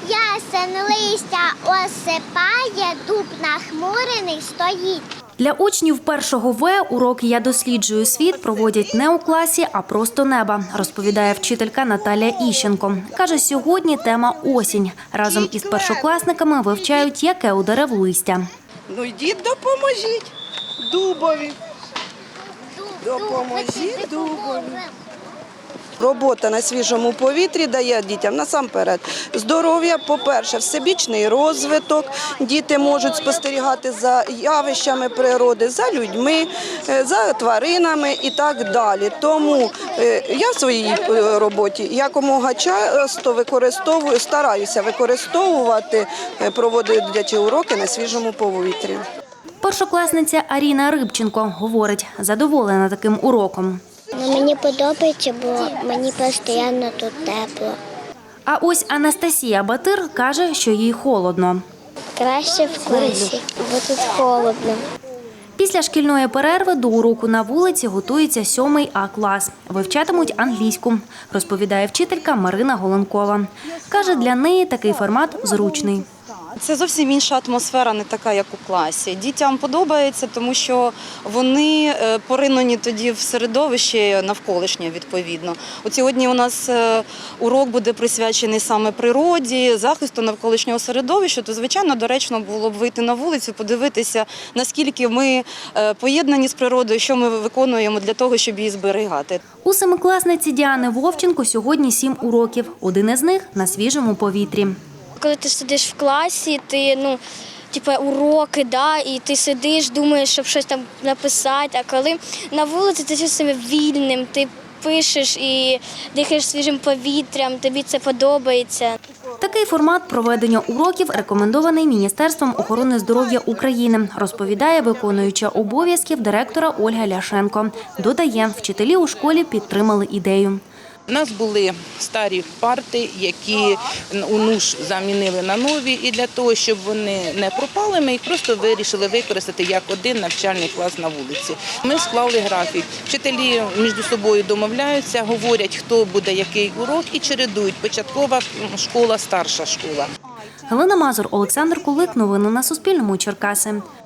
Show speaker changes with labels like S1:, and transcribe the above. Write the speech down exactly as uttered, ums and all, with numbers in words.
S1: ясен листя осипає, дуб нахмурений стоїть.
S2: Для учнів першого В урок «Я досліджую світ» проводять не у класі, а просто неба, розповідає вчителька Наталія Іщенко. Каже, сьогодні тема «Осінь». Разом із першокласниками вивчають, яке у дерев листя.
S3: Ну йдіть, допоможіть дубові. Допоможіть дубові. Робота на свіжому повітрі дає дітям насамперед здоров'я, по-перше, всебічний розвиток. Діти можуть спостерігати за явищами природи, за людьми, за тваринами і так далі. Тому я в своїй роботі якомога часто використовую, стараюся використовувати, проводячи уроки на свіжому повітрі.
S2: Першокласниця Аріна Рибченко говорить, задоволена таким уроком.
S1: Ну, мені подобається, бо мені постійно тут тепло.
S2: А ось Анастасія Батир каже, що їй холодно.
S1: Краще в класі, бо тут холодно.
S2: Після шкільної перерви до уроку на вулиці готується сьомий А клас. Вивчатимуть англійську, розповідає вчителька Марина Голенкова. Каже, для неї такий формат зручний.
S4: Це зовсім інша атмосфера, не така, як у класі. Дітям подобається, тому що вони поринені тоді в середовище навколишнє, відповідно. От сьогодні у нас урок буде присвячений саме природі, захисту навколишнього середовища, то, звичайно, доречно було б вийти на вулицю, подивитися, наскільки ми поєднані з природою, що ми виконуємо для того, щоб її зберігати.
S2: У семикласниці Діани Вовченко сьогодні сім уроків. Один із них на свіжому повітрі.
S5: Коли ти сидиш в класі, ти, ну, типу, уроки, да, і ти сидиш, думаєш, щоб щось там написати, а коли на вулиці ти чувствуєш себе вільним, ти пишеш і дихаєш свіжим повітрям, тобі це подобається.
S2: Такий формат проведення уроків рекомендований Міністерством охорони здоров'я України, розповідає виконуюча обов'язків директора Ольга Ляшенко. Додає, вчителі у школі підтримали ідею.
S6: У нас були старі парти, які у НУШ замінили на нові, і для того, щоб вони не пропали, ми їх просто вирішили використати як один навчальний клас на вулиці. Ми склали графік. Вчителі між собою домовляються, говорять, хто буде який урок, і чередують початкова школа, старша школа.
S2: Галина Мазур, Олександр Кулик. Новини на Суспільному. Черкаси.